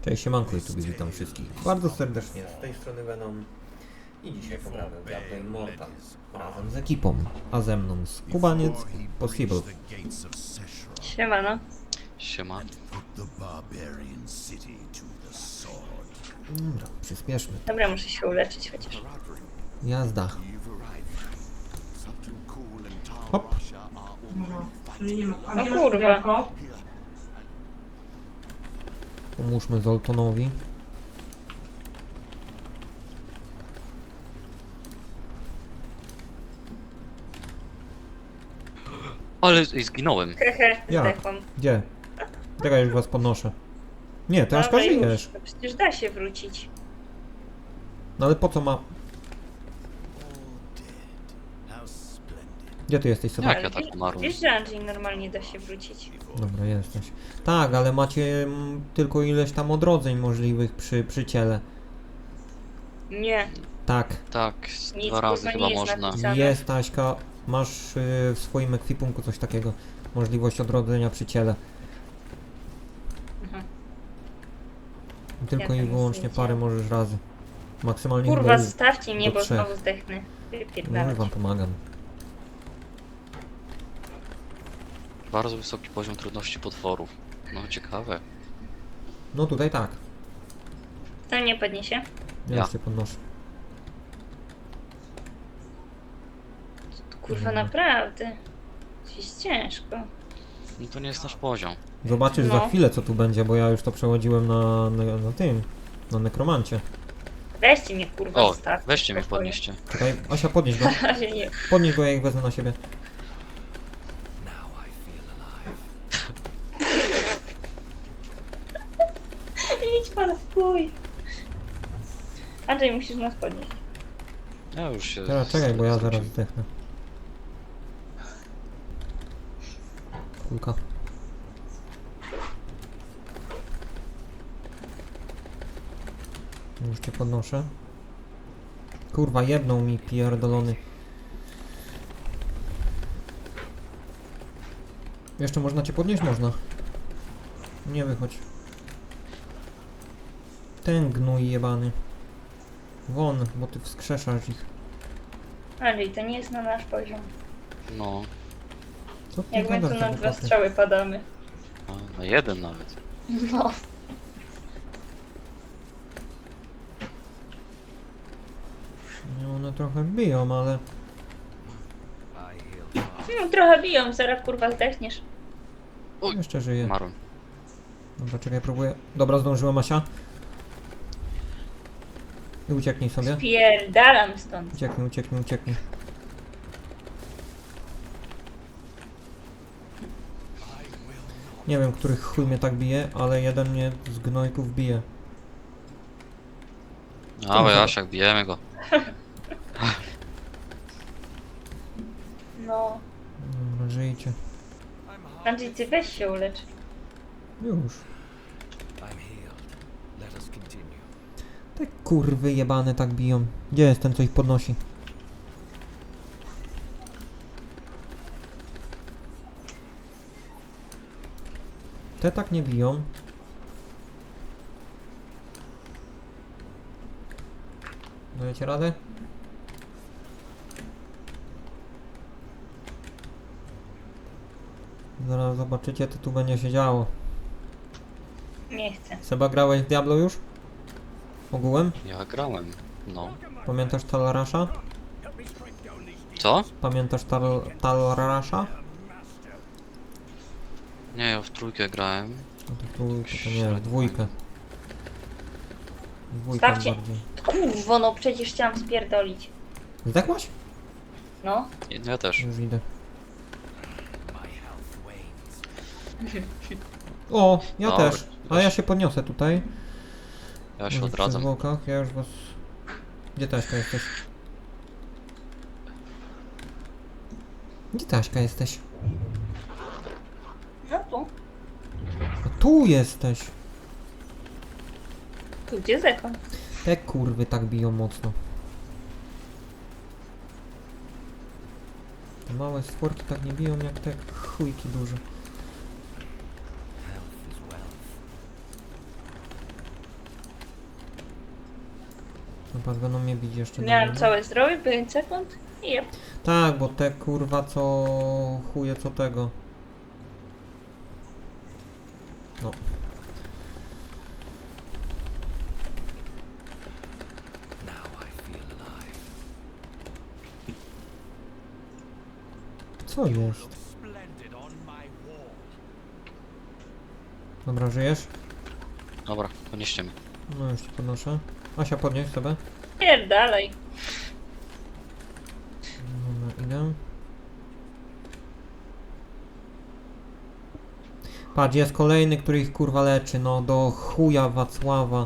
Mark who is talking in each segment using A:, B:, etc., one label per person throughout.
A: Cześć, siemanko i tu witam wszystkich bardzo serdecznie. Z tej strony Venom i dzisiaj pogramy w Diablo Immortal razem z ekipą, a ze mną Skubaniec i Possible.
B: Siemano.
C: Siema.
A: Dobra, przyspieszmy.
B: Dobra, muszę się uleczyć chociaż.
A: Jazda. Hop.
B: O kurwa.
A: Pomóżmy Zoltonowi.
C: Ale zginąłem.
B: Hehe,
A: Ja.
B: zdechłam.
A: Gdzie? Czekaj, już was podnoszę. Nie, ty Aszka
B: Dobra, już.
A: żyjesz.
B: No przecież da się wrócić.
A: No ale po co ma... Gdzie ty jesteś, Seba?
C: Jak ja tak umarłem?
B: Wiesz, że Andrzej normalnie da się wrócić.
A: Dobra, jesteś. Tak, ale macie tylko ileś tam odrodzeń możliwych przy ciele.
B: Nie,
A: Tak.
C: Tak,
B: nic
C: dwa razy
B: kurwa
C: chyba
B: nie jest
C: można.
B: napisane.
A: Jest, Aśka, masz w swoim ekwipunku coś takiego. Możliwość odrodzenia przy ciele.
B: Mhm.
A: Tylko
B: Ja
A: i
B: tam
A: wyłącznie
B: nic nie
A: parę
B: widziałam.
A: możesz razy. Maksymalnie
B: Kurwa,
A: chyba
B: zostawcie mnie,
A: do
B: bo
A: 3.
B: znowu zdechnę.
A: No
B: Wypierdalać.
A: wam pomagam.
C: Bardzo wysoki poziom trudności potworów. No ciekawe.
A: No tutaj tak.
B: To nie podniesie.
A: Ja
C: Ja.
A: już cię podnoszę.
B: Kurwa,
A: Mhm.
B: naprawdę. Jest ciężko.
C: No to nie jest nasz poziom.
A: Zobaczysz
B: No.
A: za chwilę co tu będzie, bo ja już to przechodziłem na tym. Na nekromancie.
B: Weźcie mnie, kurwa,
C: O,
B: zostawcie.
C: weźcie mnie,
B: w spokoju.
C: podnieście.
A: Czekaj, Asia, podnieś go.
B: Na razie nie.
A: Podnieś go, ja ich wezmę na siebie.
B: Idź pan w chuj. Andrzej, musisz nas podnieść.
C: Ja już się...
A: Teraz czekaj, bo ja zaraz zdechnę. Kulka. Już cię podnoszę. Kurwa, jedną mi pierdolony. Jeszcze można cię podnieść? Można. Nie wychodź. Ten gnój jebany. Won, bo ty wskrzeszasz ich.
B: Andrzej, to nie jest na nasz poziom.
C: No,
A: Co ty
B: Jak my tu
A: gadasz,
B: na
A: za
B: 2
A: głupoty?
B: strzały padamy.
C: na jeden nawet.
B: No.
A: No, one trochę biją, ale...
B: No, trochę biją, zaraz kurwa zdechniesz.
C: Oj,
A: Jeszcze żyje.
C: umarłem.
A: Dobra, czekaj, próbuję. Dobra, zdążyłem, Asia. I ucieknij sobie.
B: Spierdalam stąd.
A: Ucieknij, ucieknij, ucieknij. Nie wiem, których chuj mnie tak bije, ale jeden mnie z gnojków bije.
C: Ale Jasiak, bijemy go.
B: No.
A: Dobra, żyjcie.
B: Andrzej, ty weź się ulecz.
A: Już. Te kurwy jebane tak biją. Gdzie jest ten, co ich podnosi? Te tak nie biją. Dajecie radę? Zaraz zobaczycie, co tu będzie się działo.
B: Nie chcę.
A: Seba, grałeś w Diablo już? Ogółem?
C: Ja grałem. No.
A: Pamiętasz Talrasha?
C: Co?
A: Pamiętasz Talrasha?
C: Nie, ja w trójkę grałem.
A: No to w trójkę, to nie, w dwójkę. Dwójkę
B: Stawcie.
A: bardziej.
B: Kurwo, no przecież chciałam spierdolić.
A: Zdechłaś?
B: No.
C: Ja też.
A: Już idę. O, ja
C: Dobra,
A: też. A ja się podniosę tutaj.
C: Ja się
A: Może przy
C: odradzam.
A: zwłokach, ja już was... Gdzie Taśka jesteś? Gdzie Taśka jesteś?
B: No tu.
A: A tu jesteś!
B: Tu gdzie zekon?
A: Te kurwy tak biją mocno. Te małe stworki tak nie biją jak te chujki duże. Chyba będą mnie bić jeszcze
B: Miałem
A: dalej, no.
B: całe zdrowie, 5 sekund i jep.
A: Tak, bo te kurwa co chuje co tego. No. Co jest? Dobra, żyjesz?
C: Dobra, podnieście mnie.
A: No już cię podnoszę. Asia, podnieś sobie.
B: Pierdalej.
A: Dobra, idę. Patrz, jest kolejny, który ich kurwa leczy, no do chuja Wacława.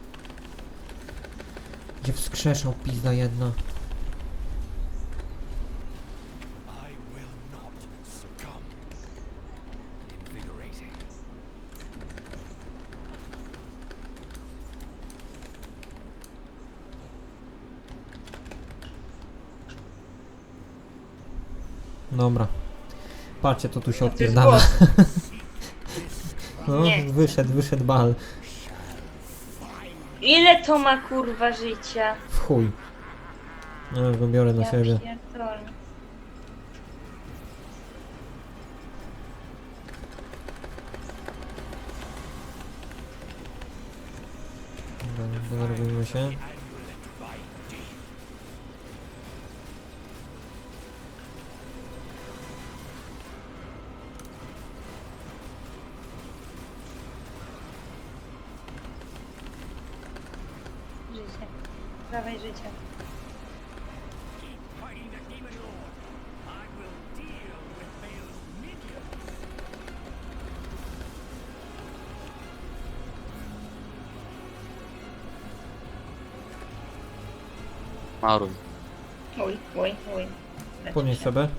A: Gdzie wskrzeszał pizda jedna. Dobra. Patrzcie, to tu się
B: To jest
A: odpierdala.
B: głos.
A: No,
B: Nie.
A: wyszedł bal.
B: Ile to ma kurwa życia?
A: W chuj. No, już go biorę na
B: Ja
A: siebie.
B: pierdolę.
A: Dobra, denerwujmy się.
B: Życie. Dawaj życie.
C: Maruj.
B: Oj, oj, oj. Lecz
A: Podnieś
B: się.
A: sobie.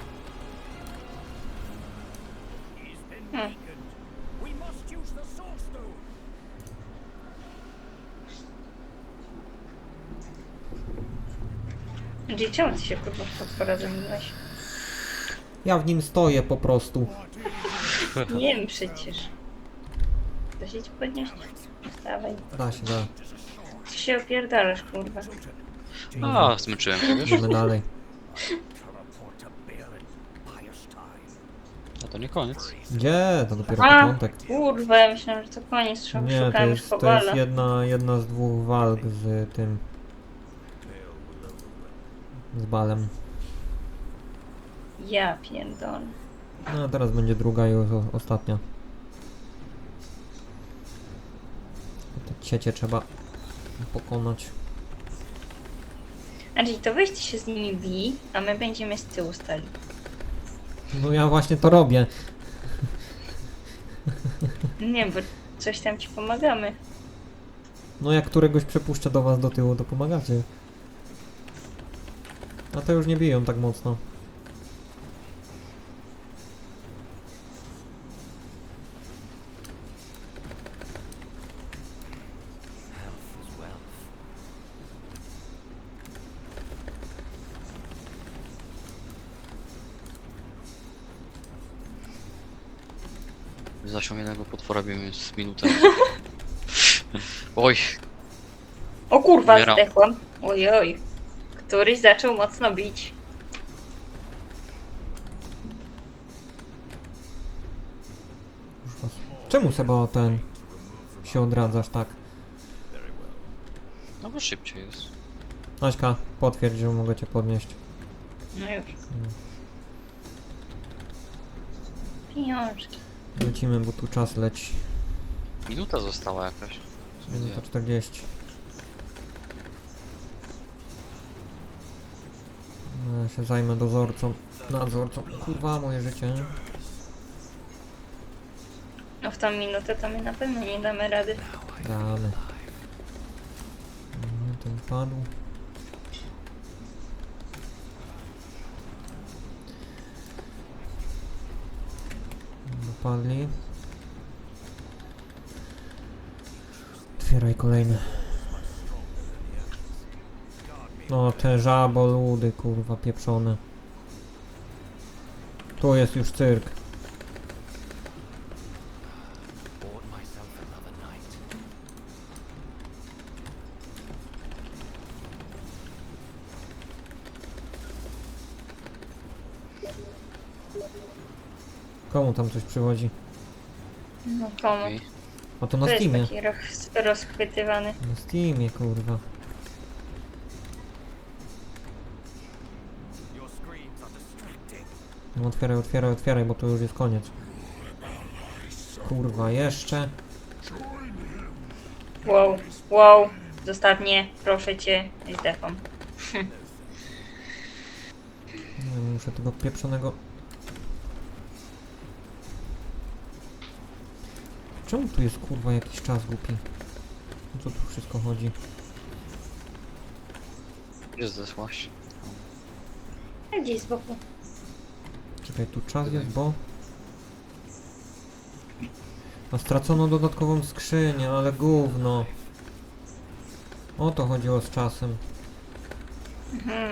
B: Hmm. Gdzie czemu ty się kurwa w potwora zamieniłeś?
A: Ja w nim stoję po prostu.
B: Nie wiem przecież. Da się ci podnieść? Wstawaj.
A: Da się, da.
B: Ty się opierdalasz kurwa.
C: A, zmęczyłem się, wiesz?
A: Idziemy dalej.
C: A to nie koniec.
A: Gdzie? To dopiero
B: A,
A: początek.
B: kurwa, ja myślałam, że to koniec.
A: Nie, to
B: Szukałem już
A: jest, to
B: kowala.
A: jest jedna z dwóch walk z tym. Z balem.
B: Ja pierdolę.
A: No a teraz będzie druga i ostatnia. Te ciecie trzeba pokonać.
B: Andrzej, to weź ty się z nimi bij, a my będziemy z tyłu stali.
A: No ja właśnie to robię.
B: Nie, bo coś tam ci pomagamy.
A: No jak któregoś przepuszczę do was do tyłu, to pomagacie. A to już nie biją tak mocno.
C: Zasiągniętego potwora bijemy z minutę. Oj,
B: O kurwa,
C: Umieram.
B: zdechłam. Ojoj. Któryś zaczął mocno bić.
A: Już was... Czemu Seba ten się odradzasz tak?
C: no bo szybciej jest.
A: Aśka, potwierdź, że mogę cię podnieść.
B: No już. Pieniążki.
A: Lecimy, bo tu czas leci.
C: Minuta została jakaś.
A: Minuta 40. No, ja się zajmę dozorcą. Nadzorcą. Kurwa, moje życie.
B: No w tą minutę to my na pewno nie damy rady.
A: Damy. Nie, ten padł. Dopadli. Otwieraj kolejny. No te żaboludy, kurwa, pieprzone. Tu jest już cyrk. Komu tam coś przychodzi?
B: No komu?
C: Okej.
A: A to na
B: To jest
A: Steamie.
B: taki rozchwytywany.
A: Na Steamie, kurwa. No otwieraj, otwieraj, otwieraj, bo to już jest koniec. Kurwa, jeszcze.
B: Wow, wow. Zostaw mnie, proszę cię, z defą.
A: Nie, muszę tego pieprzonego... Czemu tu jest kurwa jakiś czas głupi? O co tu wszystko chodzi?
C: Gdzie zdesłaś?
B: A gdzieś z boku.
A: Czekaj, tu czas jest, bo... A stracono dodatkową skrzynię, ale gówno. O to chodziło z czasem.
B: Mhm.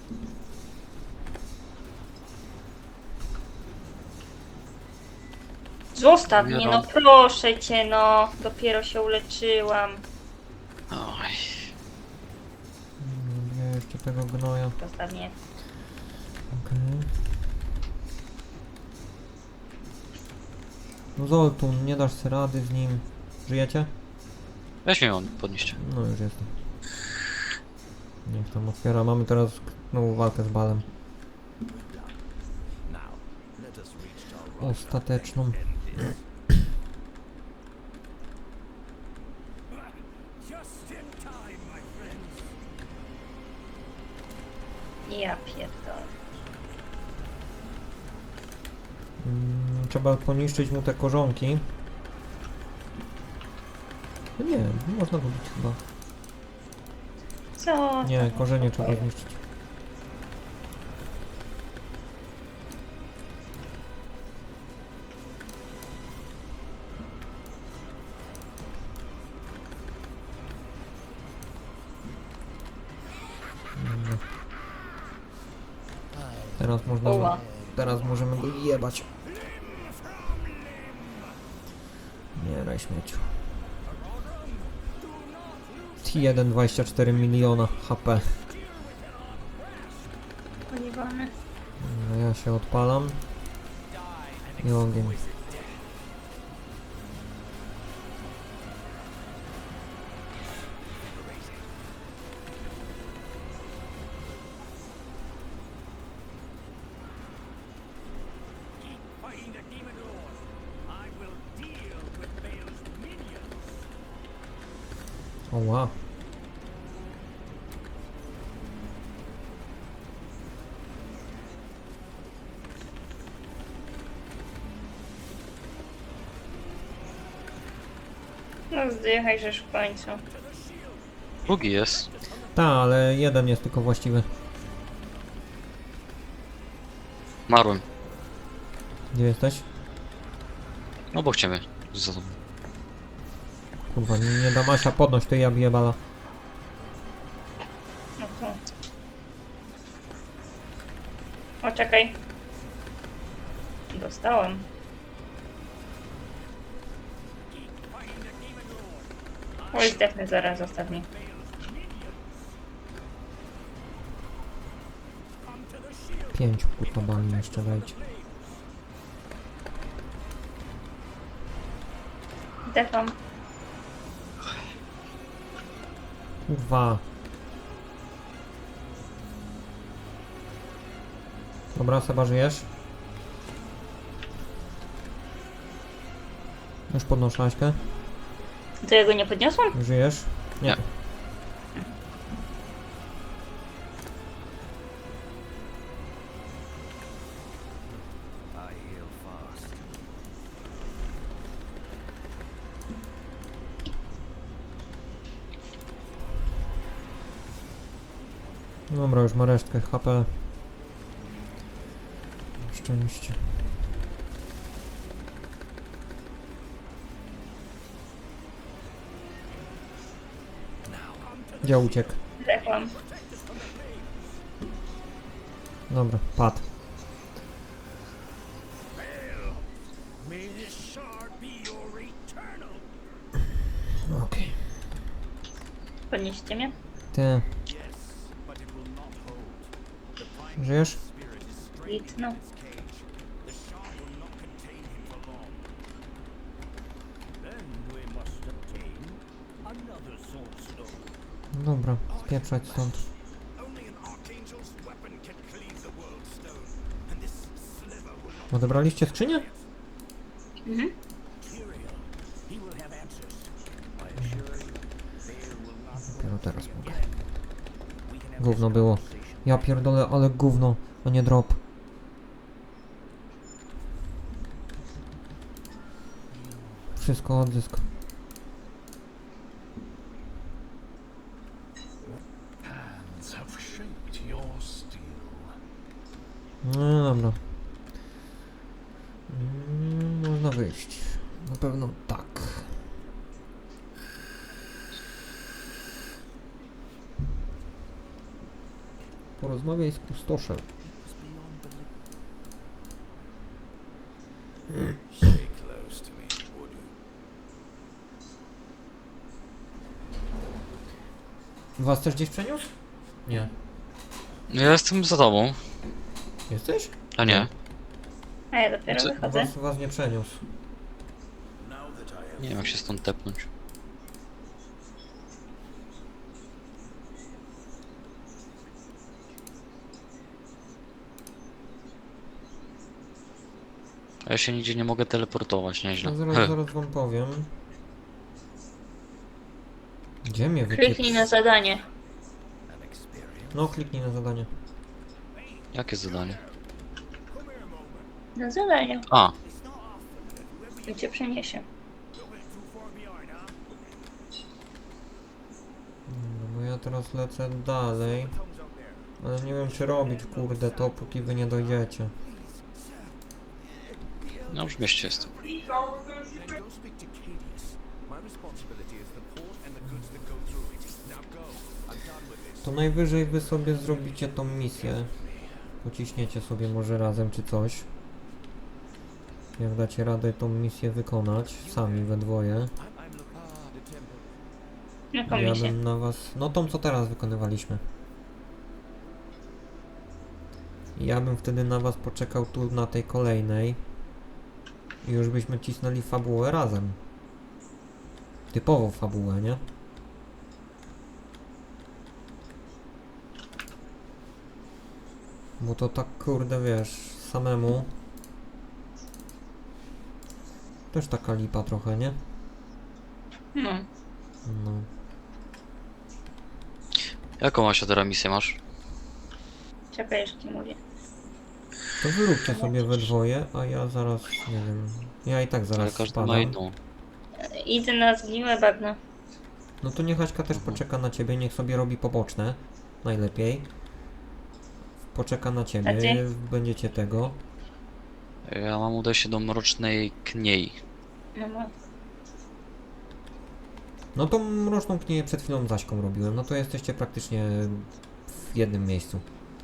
B: Zostaw mnie, no proszę cię, no. Dopiero się uleczyłam.
C: Oj.
A: Nie, jeszcze tego gnoja.
B: Zostaw mnie.
A: Okej. No Zoltun, nie dasz sobie rady z nim. Żyjecie?
C: Weź mnie on podnieść.
A: No już jestem. Niech tam otwiera. Mamy teraz znowu walkę z Balem. Ostateczną.
B: Ja pierdolę.
A: Trzeba poniszczyć mu te korzonki. No nie, można go bić chyba.
B: Co?
A: Nie, korzenie trzeba zniszczyć. Dobra. Teraz można go,
B: Oła.
A: teraz możemy go jebać. Nie, daj śmieciu. T1 24 miliona HP.
B: Poliwany.
A: No ja się odpalam. I ogień. O wow.
B: No zdychaj, żeż w końcu.
C: Drugi jest.
A: Ta, ale jeden jest tylko właściwy.
C: Marłem.
A: Gdzie jesteś?
C: Obok ciebie. Za tobą.
A: Kurwa, nie da Masia podnoś, ty ja biję bala.
B: No to. O, czekaj. Dostałem. Oj, zdechnę zaraz, zostaw mnie.
A: Pięciu kurwa bali jeszcze dajcie.
B: Zdecham.
A: Kurwa. Dobra, Seba, żyjesz? Już podnoszę Aśkę.
B: To ja go nie podniosłam?
A: Żyjesz?
C: Nie.
A: Dobra, już ma resztkę HP. Szczęście. Gdzie uciekł?
B: Zdechłam.
A: Dobra, padł. Okej.
B: Podnieście mnie?
A: Ty. Żyjesz?
B: Git, no.
A: Dobra, spieprzać stąd. Odebraliście skrzynię?
B: Mhm.
A: Dopiero teraz mogę. Gówno było. Ja pierdolę, ale gówno, a nie drop. Wszystko odzysk.
D: Hands have shaped your steel.
A: No dobra. Można wyjść. Na pewno tak. Porozmawiaj z pustoszem.
D: Stay close to me, would you?
A: Was też gdzieś przeniósł? Nie.
C: Ja jestem za tobą.
A: Jesteś?
C: A nie.
B: A ja dopiero
C: Co?
B: wychodzę.
A: Was nie przeniósł.
D: Now that I have
C: Nie wiem jak się stąd tepnąć. A ja się nigdzie nie mogę teleportować, nieźle.
A: No zaraz wam powiem. Gdzie mnie
B: Kliknij na zadanie.
D: an experience.
A: No, kliknij na zadanie.
C: Jakie zadanie?
B: Na zadanie.
C: A,
B: I cię przeniesie.
A: No bo ja teraz lecę dalej. Ale nie wiem czy robić kurde to, póki wy nie dojdziecie.
C: no już w mieście jestem.
D: Then go speak to Cadius. My responsibility is the port and the goods that go through it. Now go. I'm done with this.
A: To najwyżej wy sobie zrobicie tą misję. Pociśniecie sobie może razem czy coś. Jak dacie radę tą misję wykonać, sami we dwoje.
D: I'm the temple.
B: Jaką
A: Ja
B: misję?
A: bym na was... No tą co teraz wykonywaliśmy. Ja bym wtedy na was poczekał tu na tej kolejnej. I już byśmy cisnęli fabułę razem. Typowo fabułę, nie? Bo to tak kurde wiesz, samemu. Też taka lipa trochę, nie?
B: No.
A: No.
C: Jaką Asia teraz misję masz?
B: Czekaj, jeszcze mówię.
A: To wyróbcie sobie we dwoje, a ja zaraz, nie wiem. Ja i tak
C: Ale
A: zaraz
C: każdy ma
A: spadam.
C: inną.
B: Idę na zgniłe bagno.
A: No to niech Aśka też poczeka na ciebie, niech sobie robi poboczne. Najlepiej. Poczeka na
B: A
A: ciebie,
B: ty?
A: będziecie tego.
C: Ja mam udać się do Mrocznej Kniei.
B: No, no.
A: No tą mroczną knię przed chwilą z Aśką robiłem, no to jesteście praktycznie w jednym miejscu.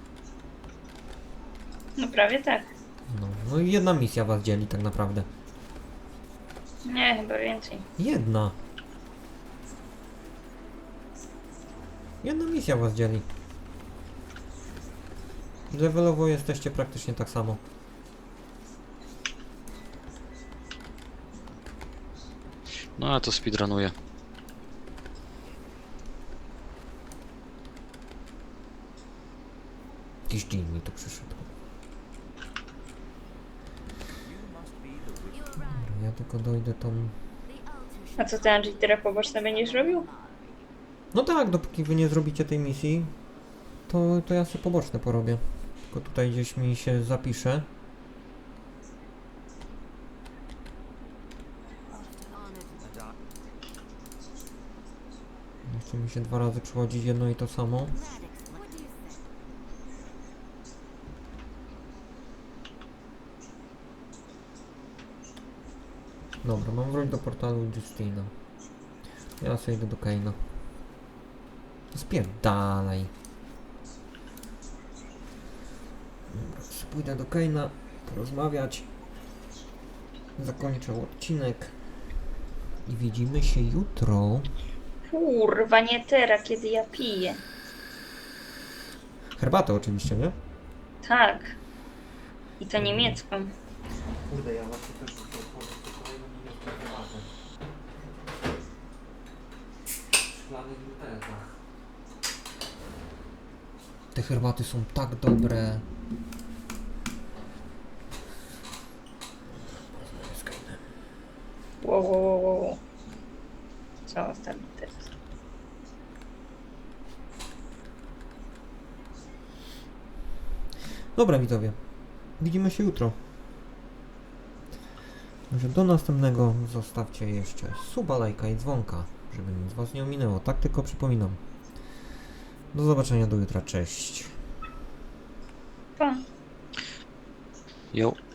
B: No prawie tak.
A: No i jedna misja was dzieli tak naprawdę.
B: Nie, chyba więcej.
A: Jedna. Jedna misja was dzieli. Levelowo jesteście praktycznie tak samo.
C: No ja to speedrunuję.
A: Jakiś dzień mi tu przyszedł. Dobra, ja tylko dojdę tą...
B: A co ty, Andrzej, teraz poboczne będziesz robił?
A: No tak, dopóki wy nie zrobicie tej misji, to ja sobie poboczne porobię. Tylko tutaj gdzieś mi się zapisze. Nie chce mi się 2 razy przychodzić jedno i to samo. Dobra, mam wrócić do portalu Justina. Ja sobie idę do Kaina. Spierdalaj. Dobra, pójdę do Kaina, porozmawiać. Zakończę odcinek. I widzimy się jutro.
B: Kurwa, nie teraz, kiedy ja piję.
A: Herbatę oczywiście, nie?
B: Tak. I to niemiecką.
A: Kurde, ja właśnie też muszę otworzyć tę kolejną niemiecką herbatę. szklanych butelkach. Te herbaty są tak dobre.
B: Wow, wow, wow, wow. Co tam teraz?
A: Dobra widzowie, widzimy się jutro. Może do następnego zostawcie jeszcze suba, lajka i dzwonka, żeby nic was nie ominęło. Tak tylko przypominam. Do zobaczenia do jutra, cześć.
B: Pa.
C: Jo.